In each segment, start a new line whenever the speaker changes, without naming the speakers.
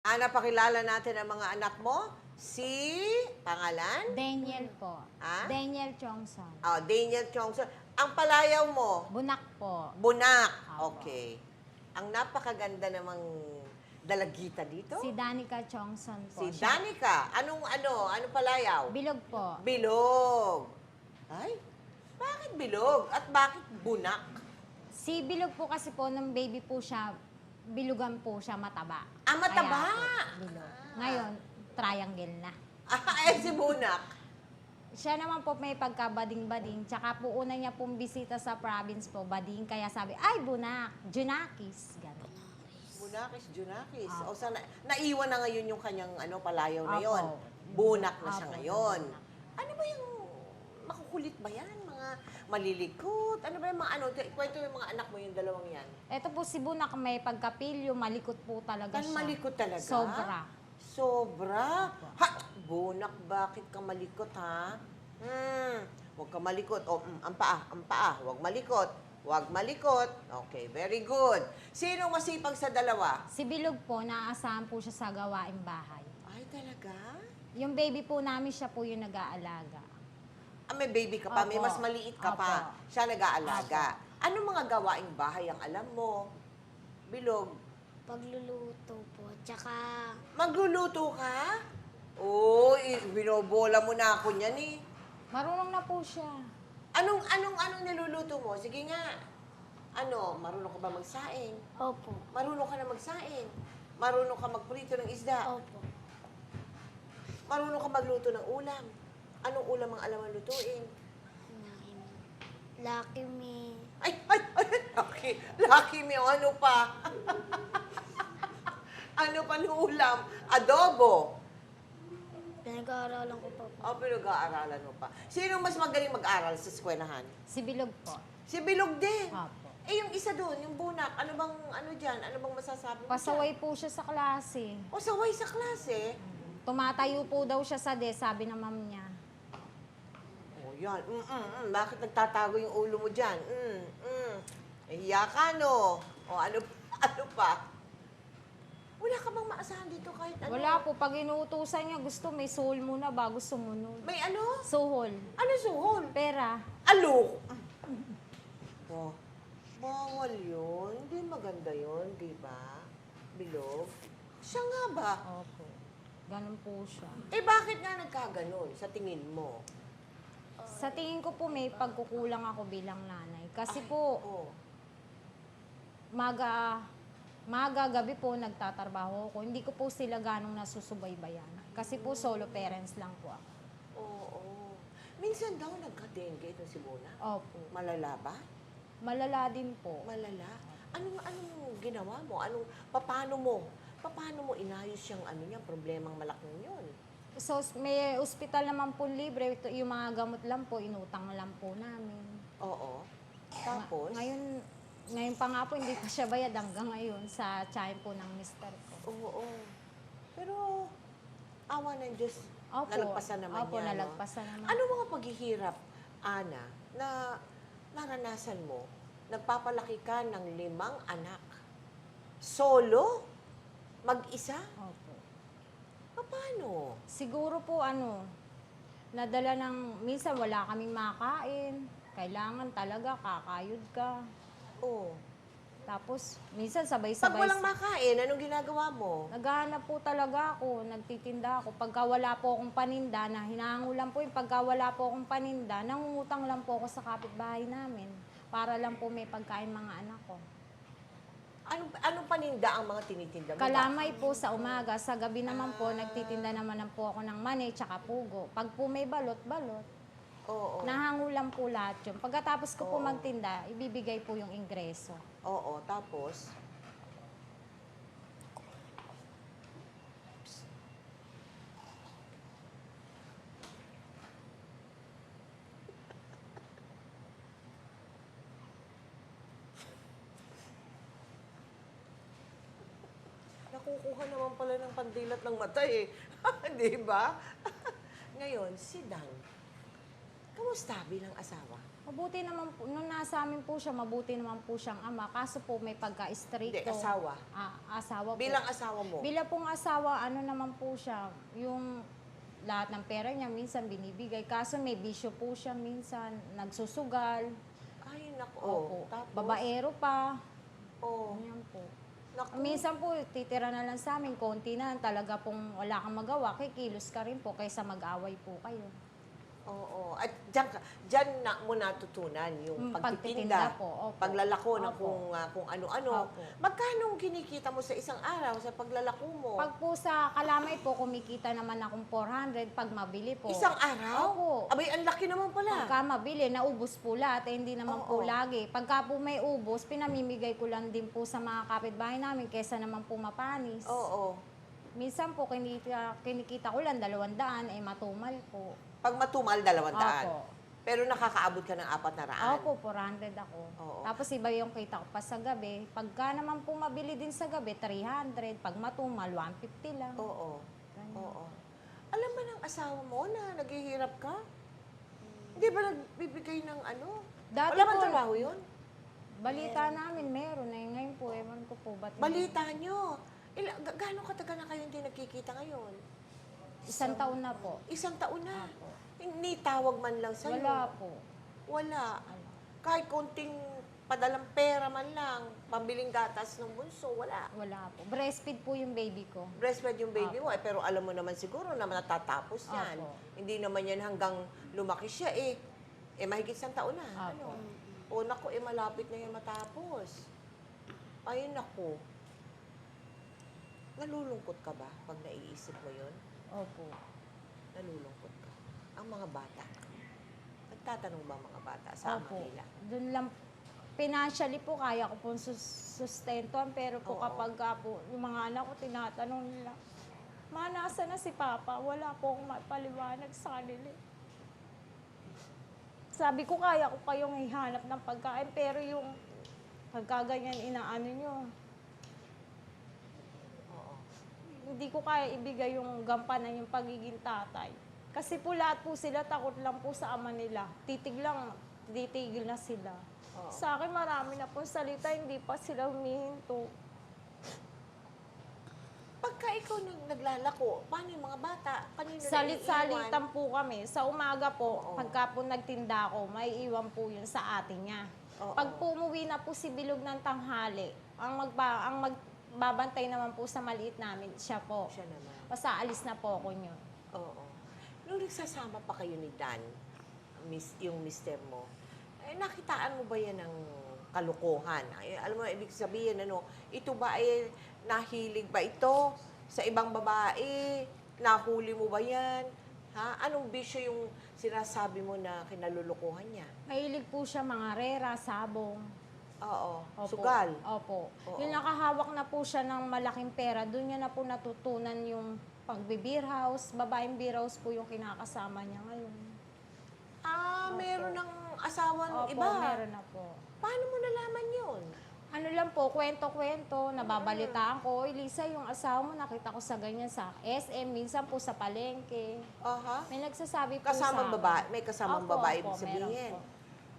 Napakilala natin ang mga anak mo. Si, pangalan?
Daniel po.
Ah?
Daniel Chongson.
Daniel Chongson. Ang palayaw mo,
Bunak po.
Bunak.
Apo.
Okay. Ang napakaganda namang dalagita dito.
Si Danica Chongson po.
Si
Siya-
Danica. Anong palayaw?
Bilog po.
Bilog. Ay, bakit bilog? At bakit bunak?
Si Bilog po kasi po, nung baby po siya, bilugan po siya mataba.
Mataba.
Kaya po, bilog. Ngayon, triangle na.
Si bunak.
Siya naman po may pagka-bading-bading. Tsaka po una niya pong bisita sa province po, bading. Kaya sabi, ay, bunak, Junakis. Ganun.
Bunakis, Junakis.
Apo.
O sana, naiwan na ngayon yung kanyang palayaw na
Apo.
yon. Bunak na siya
Apo,
ngayon.
bunak.
Ano ba yung makukulit ba yan? Mga malilikot? Ano ba yung mga Kwento yung mga anak mo yung dalawang yan.
Ito po si Bunak may pagkapilyo, malikot po talaga
Kan
siya.
malikot talaga?
Sobra.
Sobra? Ha? Bunak, bakit ka malikot, ha? Huwag ka malikot. Ang paa. Huwag malikot. Huwag malikot. Okay, very good. Sino masipag sa dalawa?
Si Bilog po, naaasahan po siya sa gawaing bahay.
Ay, talaga?
Yung baby po namin, siya po yung nag-aalaga.
May baby ka pa, may
Opo.
mas maliit ka pa.
Opo.
Siya nag-aalaga. Anong mga gawaing bahay ang alam mo? Bilog.
Pagluluto po. Tsaka,
Magluluto ka? Oo, binobola mo na ako niyan eh.
Marunong na po siya.
Anong niluluto mo? Sige nga. Marunong ka ba magsaing?
opo.
Marunong ka na magsaing? Marunong ka magprito ng isda?
Opo.
Marunong ka magluto ng ulam? Anong ulam ang alam ang lutuin?
Lucky me.
Ay, lucky. Lucky me, ano pa? Ano pa ng ulam? Adobo.
Pinag-aaralan ko pa po.
Pinag-aaralan mo pa. Sino mas magaling mag-aral sa eskwelahan?
Si Bilog po.
Si Bilog din.
Opo.
Yung isa doon, yung bunak, ano dyan? Ano bang masasabi mo
Pasaway po siya sa klase.
dyan? Saway sa klase.
Tumatayo po daw siya sa desk, sabi ng ma'am niya.
Yan. Bakit nagtatago yung ulo mo dyan? Hiya ka, no? Ano pa? Wala ka bang maasahan dito kahit ano?
Wala po, pag inuutusan niya, gusto may soul muna bago sumunod.
May ano?
Sohol.
Ano suhol?
Pera.
Alok! Bawal yun. Hindi maganda yun, di ba? Bilog. Siya nga ba?
Opo. Ganun po siya.
Bakit nga nagkaganon sa tingin mo?
Sa tingin ko po may pagkukulang ako bilang nanay. Kasi po, maga gabi po nagtatrabaho ako. Hindi ko po sila ganong nasusubaybayan. Kasi po solo parents lang po ako.
Oo. Minsan daw nagka-dengue itong si Mona.
Opo.
Malala ba?
Malala din po.
Malala? Anong ginawa mo? Paano mo inayos yung problemang malaking yun?
So, may ospital naman po libre. Ito, yung mga gamot lang po, inutang lang po namin.
Oo. Tapos?
Ngayon pa nga po, hindi pa siya bayad hanggang ngayon sa tiyan po ng mister ko.
Oo. Pero, awa ng Diyos,
Opo.
nalagpasan naman
Opo,
niya.
nalagpasan naman.
Ano mga paghihirap, Ana, na naranasan mo? Nagpapalaki ka ng 5 anak. Solo? Mag-isa?
Opo.
Paano?
Siguro po nadala minsan wala kaming makain. Kailangan talaga kakayod ka.
Oo.
Tapos, minsan
Pag
sabay-sabay.
walang makain, anong ginagawa mo?
Naghahanap po talaga ako, nagtitinda ako. Pagka wala po akong paninda, na hinahangulan po yung pagka wala po akong paninda, nangungutang lang po ako sa kapitbahay namin para lang po may pagkain mga anak ko.
Anong paninda ang mga tinitinda mo?
Kalamay po sa umaga, sa gabi naman po, nagtitinda naman po ako ng mani tsaka pugo. Pag po may balot, balot.
Oo.
Nahangulan po lahat yun. Pagkatapos ko po
Oo.
magtinda, ibibigay po yung ingreso.
Oo, tapos? Nakukuha naman pala ng pandilat ng mata eh. Di ba? Ngayon, si Dan. Kumusta bilang asawa?
Mabuti naman po, nung nasa amin po siya, mabuti naman po siyang ama. Kaso po may
Hindi,
pagka-stricto.
asawa.
Asawa po.
Bilang asawa mo?
Bilang pong asawa, ano naman po siya, yung lahat ng pera niya minsan binibigay. Kaso may bisyo po siya minsan, nagsusugal.
Ay, naku.
Opo.
Tapos?
Babaero pa.
Oh,
Ayan po.
naku.
Minsan po, titira na lang sa amin, konti na, talaga pong wala kang magawa, kikilos ka rin po kaysa mag-away po kayo.
Oo. At dyan na mo natutunan yung pagtitinda,
Pagtitinda po, opo.
paglalako ng
Opo.
kung ano-ano.
Opo.
Magkano ang kinikita mo sa isang araw sa paglalako mo?
Pag po sa kalamay po, kumikita naman akong 400 pag mabili po.
Isang araw?
Opo.
Abay, ang laki naman pala.
Pagka mabili, naubos po lahat, eh, hindi naman po
Oo.
lagi. Pagka po may ubos, pinamimigay ko lang din po sa mga kapitbahay namin kesa naman po mapanis.
Oo.
Minsan po, kinikita ko lang 200, eh matumal po.
Pag matumal, 200.
Opo.
Pero nakakaabot ka ng 400.
Opo, 400 ako.
Oo.
Tapos iba yung kita ko pa sa gabi. Pagka naman po mabili din sa gabi, 300. Pag matumal, 150 lang.
Oo.
Ganyan.
Oo. Alam ba ng asawa mo na naghihirap ka? Hindi ba nagbibigay ng ano?
Dati
Wala bang
po,
trabaho yun?
balita namin meron eh. Ngayon po, ewan ko po. Ba't hindi?
Balita nyo. Gaano katagal na kayo hindi nagkikita ngayon?
1 taon na po.
1 taon na.
Opo.
Hindi tawag man lang sa'yo.
Wala po.
Wala.
Ano.
Kahit konting padalang pera man lang, pambiling gatas ng bunso, wala.
Wala po. Breastfeed po yung baby ko.
Breastfed yung baby
Opo.
mo, pero alam mo naman siguro na natatapos yan.
Opo.
Hindi naman yan hanggang lumaki siya eh. Mahigit 1 taon na.
Opo.
Ano? O naku, malapit na yan matapos. Ay, naku. Nalulungkot ka ba pag naiisip mo yun?
Opo.
Nalulungkot ka. Ang mga bata. Nagtatanong ba ang mga bata sa ama
Opo.
nila?
Doon lang, financially po, kaya ko pong sustentuhan. Pero po
Oo.
kapag po, yung mga anak ko, tinatanong nila, Ma, nasa na si Papa? Wala po akong mapaliwanag sa kanila. Sabi ko, kaya ko kayong ihanap ng pagkain, pero yung pagkaganyan inaano nyo,
Oo.
hindi ko kaya ibigay yung gampanan yung pagiging tatay. Kasi po lahat po sila takot lang po sa ama nila. Titigil na sila.
Oo.
Sa akin marami na po salita, hindi pa sila humihinto.
Pagka ikaw naglalako, paano yung mga bata? Kanino
Salit-salitan po kami. Sa umaga po,
Oo.
pagka po nagtinda ako, may iwan po yun sa atin niya.
Oo.
Pag po umuwi na po si Bilog ng tanghali, ang magbabantay naman po sa maliit namin, siya po.
Siya naman.
Basta alis na po ako niyo.
Oo. Nung nagsasama pa kayo ni Dan, yung mister mo, nakitaan mo ba yan ng kalukuhan? Alam mo, ibig sabihin, ito ba ay nahilig ba ito sa ibang babae? Nahuli mo ba yan? Ha? Anong bisyo yung sinasabi mo na kinalulukuhan niya?
Mahilig po siya mga rera, sabong.
Oo.
Opo.
Sugal.
Opo.
Oo.
Yung nakahawak na po siya ng malaking pera, doon niya na po natutunan yung pagbe-beer house. Babaeng beer house po yung kinakasama niya ngayon.
Meron ng asawa ng
Opo,
iba.
meron na po.
Paano mo nalaman yun?
Ano lang po, kwento-kwento, nababalitaan ko, Lisa, yung asawa mo, nakita ko sa ganyan sa SM, minsan po sa palengke.
Aha.
May nagsasabi po
Kasamang
sa akin.
babae, may kasamang
Opo,
babae
opo,
ibig sabihin.
meron po.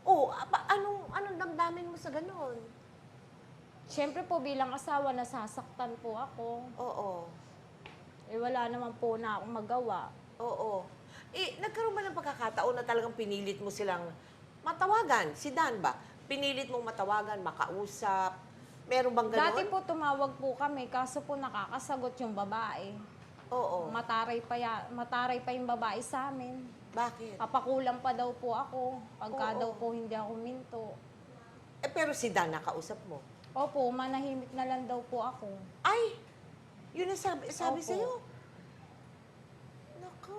Anong damdamin mo sa ganun?
Siyempre po, bilang asawa, nasasaktan po ako.
Oo.
Eh, wala naman po na akong magawa.
Oo. Nagkaroon ba ng pagkakataon na talagang pinilit mo silang matawagan? Si Dan ba? Pinilit mong matawagan, makausap? Meron bang gano'n?
Dati po, tumawag po kami, kaso po nakakasagot yung babae.
Oo.
Mataray pa yung babae sa amin.
Bakit?
Papakulang pa daw po ako, pagka
Oo.
daw po hindi ako minto.
Pero si Dan nakausap mo.
Opo, manahimik na lang daw po ako.
Ay! Yun ang sabi
Opo.
sa'yo. Naku.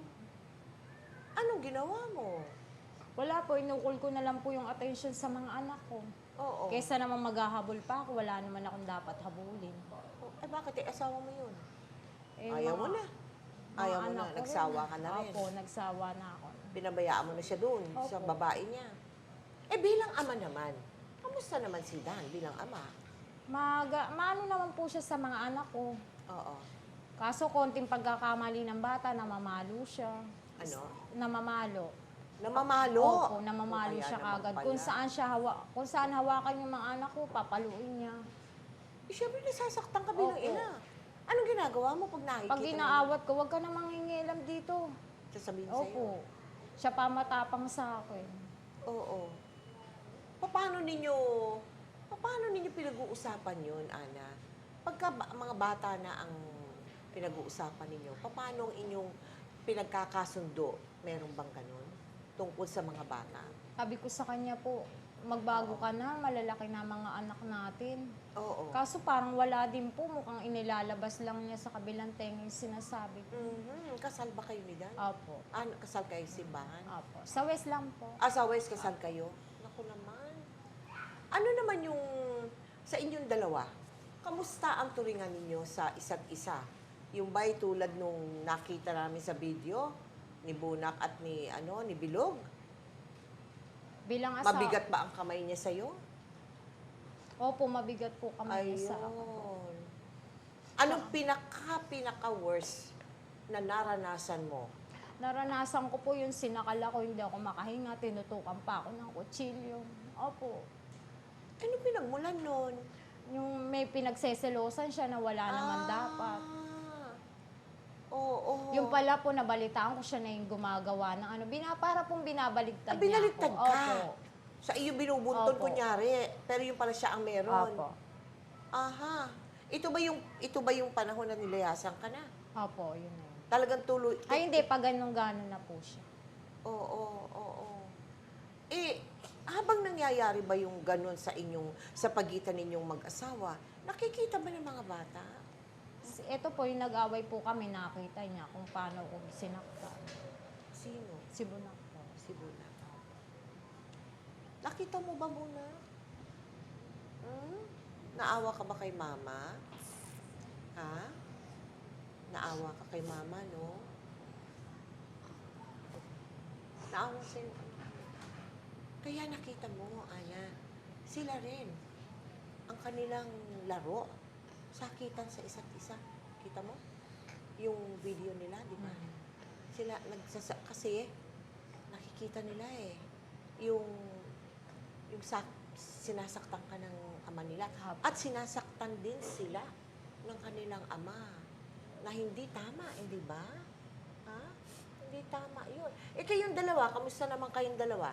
Anong ginawa mo?
Wala po, inukol ko na lang po yung attention sa mga anak ko.
Oo.
Kaysa naman maghahabol pa ako, wala naman akong dapat habulin.
Bakit? Asawa mo yun?
Eh,
Ayaw mo
mga-
na.
mga
Ayaw mo
anak
na.
ko rin.
Nagsawa ka na rin.
Opo, nagsawa na ako.
Pinabayaan mo na siya doon sa
Opo.
babae niya. Bilang ama naman, kamusta naman si Dan bilang ama?
Maano naman po siya sa mga anak ko.
Oo.
Kaso konting pagkakamali ng bata, namamalo siya.
Ano?
Namamalo.
Namamalo.
Opo, namamalo
O, kaya
siya
naman
kagad.
pala.
Kung saan hawakan yung mga anak ko, papaluin niya.
Eh, syempre nasasaktan ka bilang
Opo.
ina. Anong ginagawa mo pag nakikita
Pag inaawat ko, huwag ka na mangingialam dito.
sasabihin sa'yo?
Opo. Siya pa matapang sa akin.
Oo. Paano ninyo pinag-uusapan yun, Ana? Pagka mga bata na ang pinag-uusapan ninyo, paano ang inyong pinagkakasundo? Meron bang ganun? Tungkol sa mga bata?
Sabi ko sa kanya po, magbago ka na, malalaki na mga anak natin.
Oo.
Kaso parang wala din po, mukhang inilalabas lang niya sa kabilang tenga yung sinasabi ko.
Kasal ba kayo ni Dan?
Opo.
Kasal kayo sa simbahan?
Opo. Sa West lang po.
Sa West, kasal kayo? Naku naman. Ano naman yung sa inyong dalawa? Kamusta ang turingan ninyo sa isa't isa? Yung ba'y tulad nung nakita namin sa video ni Bunak at ni Bilog?
Bilang asawa.
Mabigat ba ang kamay niya sa'yo?
Opo, mabigat po kami
Ayun.
sa ako.
Anong pinaka-worst na naranasan mo?
Naranasan ko po yung sinakal ako, hindi ako makahinga, tinutukan pa ako ng kutsilyo. Opo.
Ano pinagmulan nun?
Yung may pinagseselosan siya na wala naman dapat.
Oo.
Yung pala po, nabalitaan ko siya na yung gumagawa ng para pong binabaligtad niya
Binaligtad
ako.
ka?
Opo.
Sa iyo binubuntun,
Opo.
kunyari. Pero yung pala siya ang meron.
Opo.
Aha. Ito ba yung panahon na nilayasan ka na?
Opo, yun na yun.
Talagang tuloy.
Ay, hindi, pag ganun-ganon na po siya.
Oo. Eh, habang nangyayari ba yung ganun sa pagitan ninyong mag-asawa, nakikita ba ng mga bata?
Ito po, yung nag-away po kami, nakita niya kung paano ko sinaktan.
Sino?
Si Bunak po.
Si Buna. Nakita mo ba muna? Naawa ka ba kay mama? Ha? Naawa ka kay mama, no? Naawa sa'yo. Kaya nakita mo, Ana, sila rin. Ang kanilang laro, sakitan sa isa't isa. Kita mo? Yung video nila, di ba? Sila, kasi, nakikita nila yung sinasaktan ka ng ama nila. At sinasaktan din sila ng kanilang ama na hindi tama, hindi ba? Ha? Hindi tama yun. Kayong dalawa, kamusta naman kayong dalawa?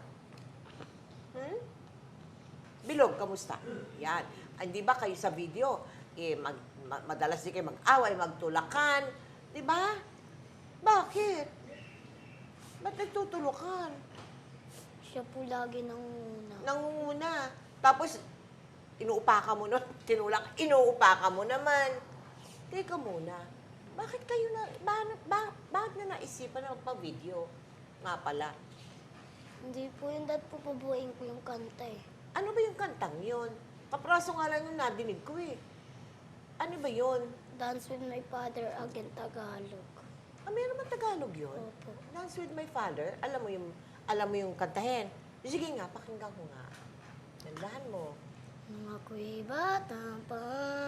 Bilog, kamusta? Yan. Hindi ba kayo sa video, madalas din kayo mag-away, magtulakan. Di ba? Bakit? Ba't nagtutulukan?
Siya po lagi nangunguna.
Nangunguna. Tapos, inuupakan mo nun, tinulak, inuupakan mo naman. Teka muna, bakit kayo bakit na naisipan na magpa-video? Nga pala.
Hindi po yun, dad po pabuhayin ko yung kanta eh.
Ano ba yung kantang yun? Kapraso nga lang yung nadinig ko eh. Ano ba yun?
Dance with my father, again Tagalog.
Meron ba Tagalog yun?
Opo.
Dance with my father? Alam mo yung kantahin? Sige nga, pakinggan ko nga. Nandahan mo.
Nung ako'y bata pa,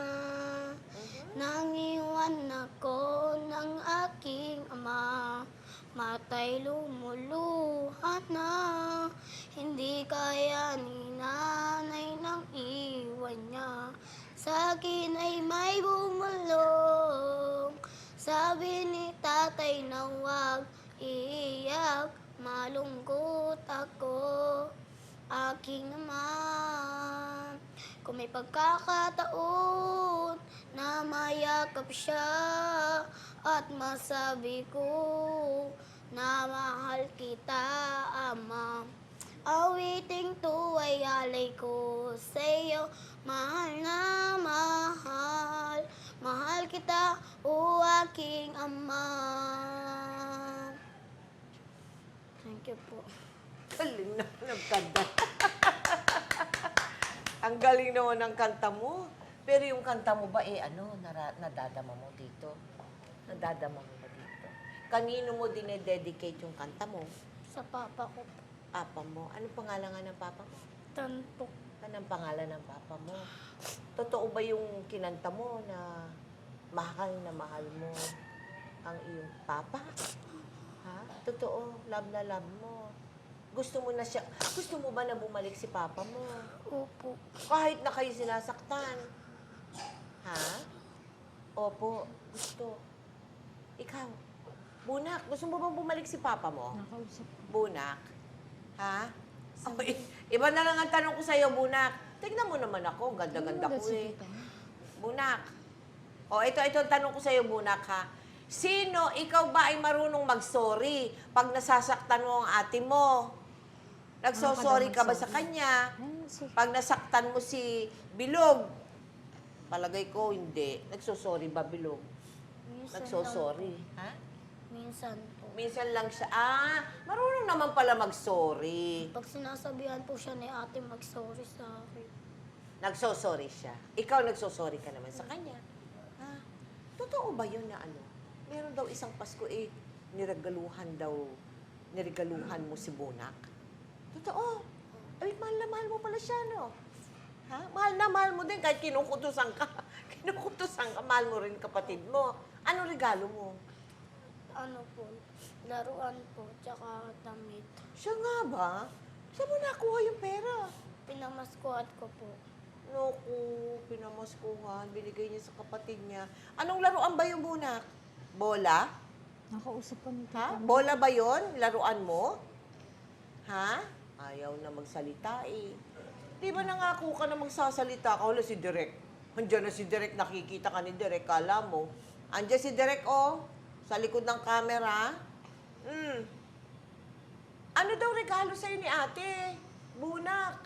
nang iwan ako ng aking ama, matay lumuluha na, hindi kaya ni nanay nang iwan niya. Sa akin ay may bumulong, sabi ni tatay na huwag iiyak, malungkot ako, aking naman. Kung may pagkakataon na mayakap siya at masabi ko na mahal kita, ama. Awiting to ay alay ko sa'yo, mahal na mahal, mahal kita, o aking ama. Thank you po.
Galing na ng kanta. Ang galing naman ng kanta mo. Pero yung kanta mo ba, nadadama mo dito? Nadadama mo ba dito? Kanino mo dinededicate yung kanta mo?
Sa papa ko po.
Papa mo. Anong pangalan nga ng papa mo?
Tanpok.
Anong pangalan ng papa mo? Totoo ba yung kinanta mo na mahal mo ang iyong papa? Ha? Totoo. Love na love mo. Gusto mo na siya, gusto mo ba na bumalik si Papa mo?
Opo.
Kahit na kayo sinasaktan. Ha? Opo, gusto. Ikaw, Bunak, gusto mo bang bumalik si Papa mo?
Nakausap.
Bunak? Ha? Oh, iba na lang ang tanong ko sa'yo, Bunak. Tignan mo naman ako, ganda-ganda ko eh. Bunak. O, ito ang tanong ko sa'yo, Bunak, ha? Sino, ikaw ba ay marunong mag-sorry pag nasasaktan mo ang ate mo? Nagsosorry ka ba sa kanya? Pag nasaktan mo si Bilog? Palagay ko, hindi. Nagsosorry ba, Bilog?
Minsan
Nagsosorry.
lang
Ha?
po. Minsan po.
Minsan lang siya. Marunong naman pala mag-sorry.
Pag sinasabihan po siya ni ate mag-sorry sa akin.
Nagsosorry siya. Ikaw nagsosorry ka naman sa kanya. Ha? Totoo ba yun na ano? Meron daw isang Pasko niregaluhan mo si Bunak? Totoo. Ay, mahal na mahal mo pala siya, no? Ha? Mahal na mahal mo din kahit kinukutusan ka. Kinukutusan ka, mahal mo rin kapatid mo. Ano regalo mo?
Ano po, laruan po, tsaka damit.
Siya nga ba? Saan mo nakuha yung pera?
Pinamaskuhat ko po.
Naku, pinamaskuhan, binigay niya sa kapatid niya. Anong laruan ba yung Bunak? Bola?
Nakausap pa nito.
Ha? Bola ba yon? Laruan mo? Ha? Ayaw na magsalita eh. Di ba nangako ka na magsasalita ka? Wala si Direk. Andiyan na si Direk, nakikita ka ni Direk, kala mo. Andiyan si Direk, oh, sa likod ng camera. Ano daw regalo sa'yo ni ate? Bunak.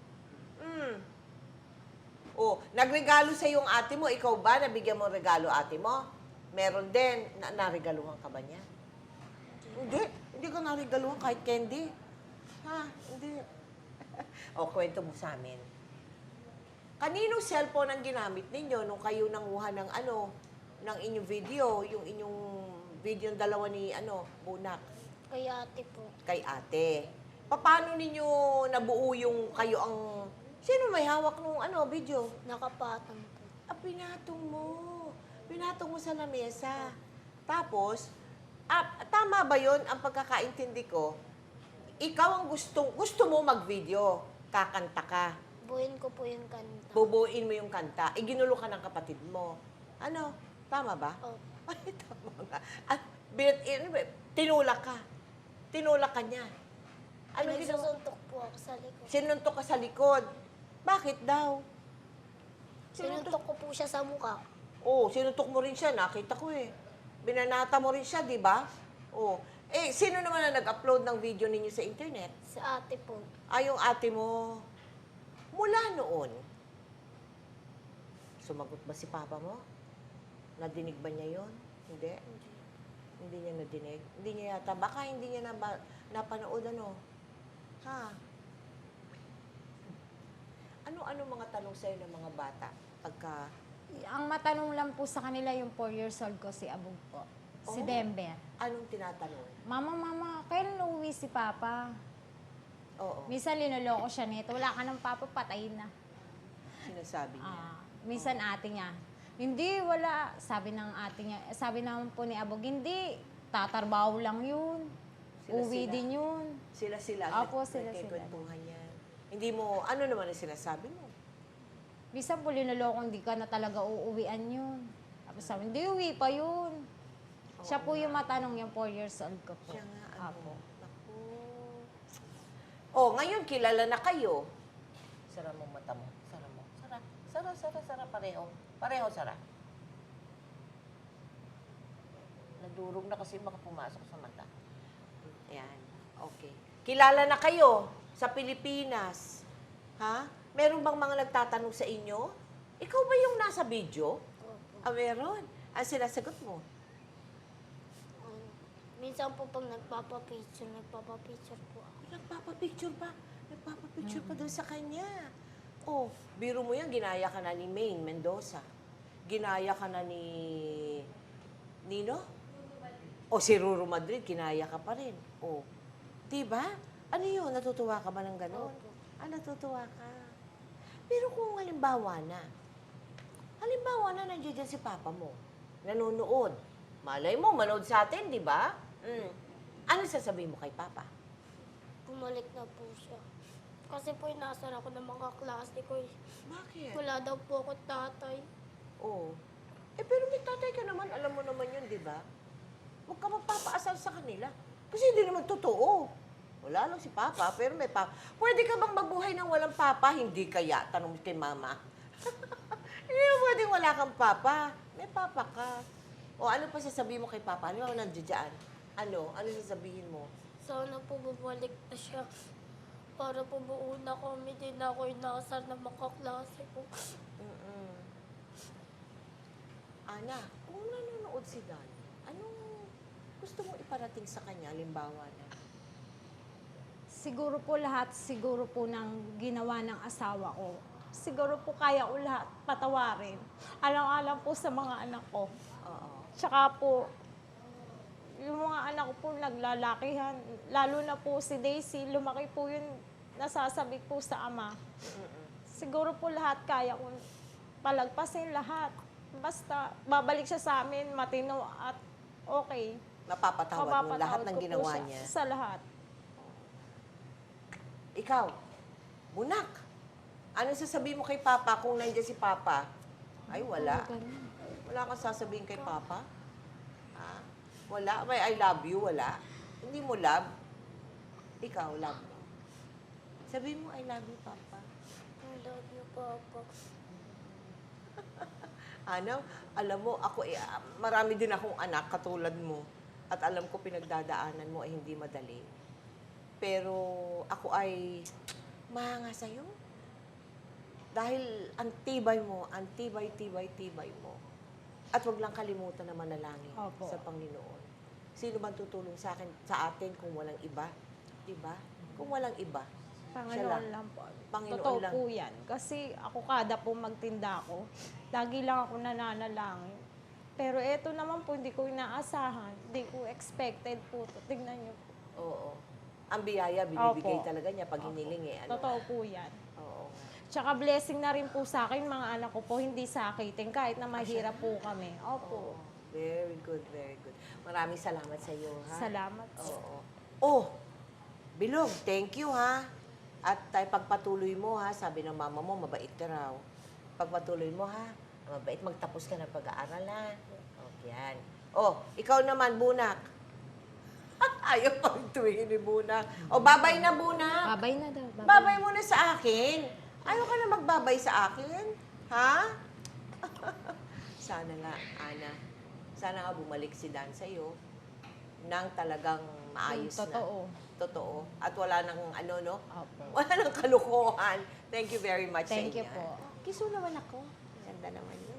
Oh, nagregalo sa yung ate mo. Ikaw ba, nabigyan mo regalo ate mo? Meron din. Naregaluhan ka ba niya? Hindi. Hindi ka naregaluhan kahit candy. Ha? Hindi. O, kwento mo sa amin. Kaninong cellphone ang ginamit ninyo nung kayo nanguha ng ng inyong video, yung inyong video ng dalawa ni Bunak,
Kay ate po.
kay ate. Paano ninyo nabuo yung kayo ang... Sino may hawak nung video?
Nakapatong po.
Pinatong mo. Pinatong mo sa lamesa. Tapos, tama ba yon ang pagkakaintindi ko? Ikaw ang gusto mo mag-video. Kakanta ka.
Buuin ko po yung kanta.
Bubuin mo yung kanta. Ginulo ka ng kapatid mo. Ano? Tama ba?
Opo.
Ay, tama nga. Tinulak ka. Tinulak ka niya. Ano ginawa?
Nagsusuntok po ako sa likod.
Sinuntok ka sa likod. Bakit daw?
Sinuntok ko po siya sa mukha.
Oh, sinuntok mo rin siya. Nakita ko eh. Binanata mo rin siya, di ba? Oh. Sino naman na nag-upload ng video ninyo sa internet?
Sa ate po.
Yung ate mo. Mula noon, sumagot ba si Papa mo? Nadinig ba niya yon? Hindi? Hindi niya nadinig? Hindi niya yata. Baka hindi niya napanood Ha? Ano mga tanong sa'yo ng mga bata? Pagka...
Ang matanong lang po sa kanila yung 4 years old ko, si Abog po. Si
Oh.
Denver.
Anong tinatanong?
Mama, kailan uuwi si Papa?
Oo.
Minsan linuloko siya nito. Wala ka ng Papa, patayin na.
Sinasabi niya.
Minsan ate niya. Hindi, wala. Sabi ng ate niya. Sabi naman po ni Abog, hindi. Tatarbaho lang yun. Uwi
Sila-sila.
din yun.
Sila-sila.
Opo, sila-sila.
Nagkikwentuhan yan. Hindi mo... Ano naman ang sinasabi mo?
Minsan po linuloko, hindi ka na talaga uuwian yun. Tapos sabi, hindi, uwi pa yun. Siya po yung matanong yung 4 years old ko po.
Siya nga,
Apo.
Naku. Oh, ngayon kilala na kayo. Sara mo mata mo. Sara mo. Sara. Pareho. Pareho, sara. Nadurog na kasi baka pumasok sa mata. Ayan. Okay. Kilala na kayo sa Pilipinas. Ha? Meron bang mga nagtatanong sa inyo? Ikaw ba yung nasa video?
Opo.
Meron. Ang sinasagot mo?
Minsan po pag nagpapapicture po ako.
Nagpapapicture pa. Nagpapapicture pa doon sa kanya. Oh, biro mo yan, ginaya ka na ni Maine Mendoza. Ginaya ka na ni Nino? O si Ruru Madrid, ginaya ka pa rin. Oh, diba? Ano yun? Natutuwa ka ba ng gano'n?
Opo.
Natutuwa ka. Pero kung halimbawa na nandiyan dyan si Papa mo, nanonood, malay mo, manood sa atin, di ba? Ano sasabihin mo kay Papa?
bumalik na po siya. Kasi po inasar ako ng mga klase ko eh.
Bakit?
Wala daw po ako tatay.
Oo. Pero may tatay ka naman, alam mo naman yun, di ba? Huwag ka magpapaasal sa kanila. Kasi hindi naman totoo. Wala lang si Papa, pero may Papa. Pwede ka bang mabuhay ng walang Papa? Hindi kaya. Tanong mo kay Mama. Hindi mo pwedeng wala kang Papa. May Papa ka. O ano pa sasabihin mo kay Papa? Ano ba nandiyan? Ano? Ano sasabihin mo?
Sana po bumalik na siya. Para po buo na kami, din ako inasar ng mga klase ko.
Mm-mm. Ana, kung nanonood si Dan, anong gusto mo iparating sa kanya? Halimbawa na.
Siguro po lahat, siguro po ng ginawa ng asawa ko. Siguro po kaya ko lahat patawarin. Alang-alang po sa mga anak ko.
Oo.
Tsaka po, yung mga anak ko po naglalakihan. Lalo na po si Daisy, lumaki po yun, nasasabik po sa ama. Siguro po lahat kaya ko palagpasin lahat. Basta babalik siya sa amin, matino at okay.
Mapapatawad mo lahat ng
Mapapatawad ko po
ginawa
siya
niya.
Sa lahat.
Ikaw, Bunak, ano sasabihin mo kay Papa kung nandiyan si Papa? Ay, wala. Wala kang sasabihin kay Papa? Ha? Wala? May I love you? Wala? Hindi mo love? Ikaw, love mo. Sabihin mo, I love you, Papa.
I love you, Papa.
Ano? Alam mo, ako, marami din akong anak katulad mo. At alam ko pinagdadaanan mo ay hindi madali. Pero ako ay mahanga sa'yo. Dahil ang tibay mo, ang tibay mo. At wag lang kalimutan na manalangin
Opo.
sa Panginoon. Sino man tutulong sa atin kung walang iba? Diba? Kung walang iba. Siya
Panginoon lang po.
Panginoon
Totoo
lang.
po yan. Kasi ako kada po magtinda ako, lagi lang ako nananalangin. Pero eto naman po, hindi ko inaasahan. Hindi ko expected po. Tingnan niyo po.
Oo. Ang biyaya, binibigay
Opo.
talaga niya pag hiniling eh. Ano?
Totoo po yan.
Oo.
Tsaka blessing na rin po sa akin, mga anak ko po, hindi sakitin, kahit na mahirap po kami. Opo.
Very good, very good. Maraming salamat sa iyo, ha?
Salamat po.
Oo. Oh, Bilog, thank you, ha? At tayo pagpatuloy mo, ha? Sabi ng mama mo, mabait ka raw. Pagpatuloy mo, ha? Mabait, magtapos ka ng pag-aaral, ha? Okay, yan. Oh, ikaw naman, Bunak. Ayaw pang tuwingin ni Bunak. O, babay na, Bunak.
Babay na daw.
Babay mo na sa akin. Ayaw ka na magbabay sa akin? Ha? Sana nga, Ana. Sana nga bumalik si Dan sa'yo nang talagang maayos
Totoo.
na. Totoo. At wala nang ano, no?
Opo.
Wala nang kalukuhan. Thank you very much
Thank
sa
you
inyo.
po.
Kiso naman ako. Ganda naman yun.